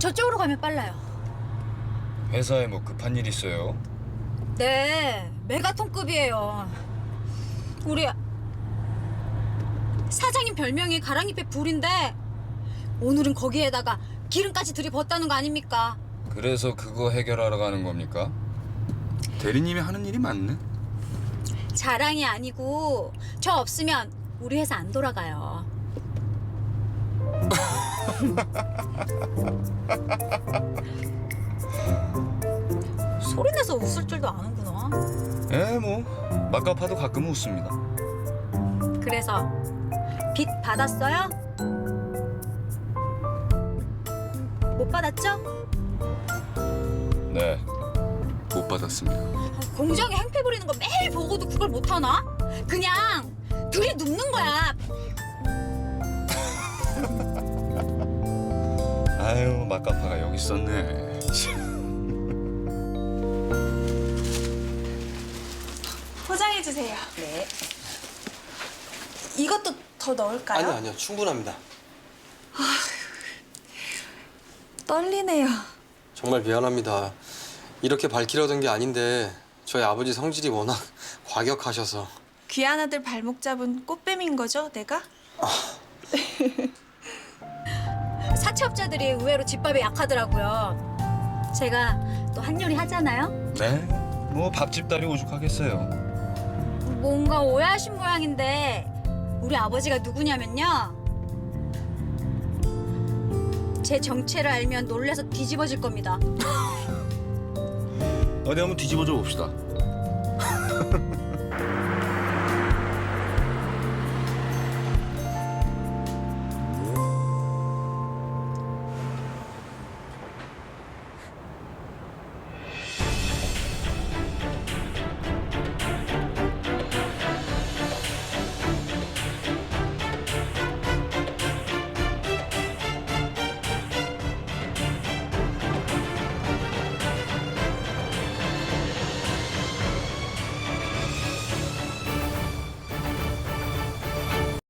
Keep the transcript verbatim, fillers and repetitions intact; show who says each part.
Speaker 1: 저쪽으로 가면 빨라요.
Speaker 2: 회사에 뭐 급한 일 있어요?
Speaker 1: 네, 메가톤급이에요. 우리 사장님 별명이 가랑잎에 불인데 오늘은 거기에다가 기름까지 들이붓다는 거 아닙니까?
Speaker 2: 그래서 그거 해결하러 가는 겁니까? 대리님이 하는 일이 맞네?
Speaker 1: 자랑이 아니고 저 없으면 우리 회사 안 돌아가요. 소리내서 웃을 줄도 아는구나.
Speaker 2: 에, 뭐 막가파도 가끔 웃습니다.
Speaker 1: 그래서 빚 받았어요? 못 받았죠?
Speaker 2: 네, 못 받았습니다.
Speaker 1: 공장에 행패 부리는 거 매일 보고도 그걸 못하나? 그냥 들이눕는 거야.
Speaker 2: 아유, 막가파가 여기 있었네.
Speaker 3: 포장해 주세요.
Speaker 1: 네.
Speaker 3: 이것도 더 넣을까요?
Speaker 4: 아니요, 아니요. 충분합니다.
Speaker 3: 떨리네요.
Speaker 4: 정말 미안합니다. 이렇게 밝히려던 게 아닌데 저희 아버지 성질이 워낙 과격하셔서.
Speaker 3: 귀한 아들 발목 잡은 꽃뱀인 거죠, 내가?
Speaker 1: 사채업자들이 의외로 집밥에 약하더라고요. 제가 또 한요리 하잖아요.
Speaker 2: 네, 뭐 밥집 딸이 오죽하겠어요.
Speaker 1: 뭔가 오해하신 모양인데 우리 아버지가 누구냐면요. 제 정체를 알면 놀라서 뒤집어질 겁니다.
Speaker 2: 어디 한번 뒤집어져 봅시다.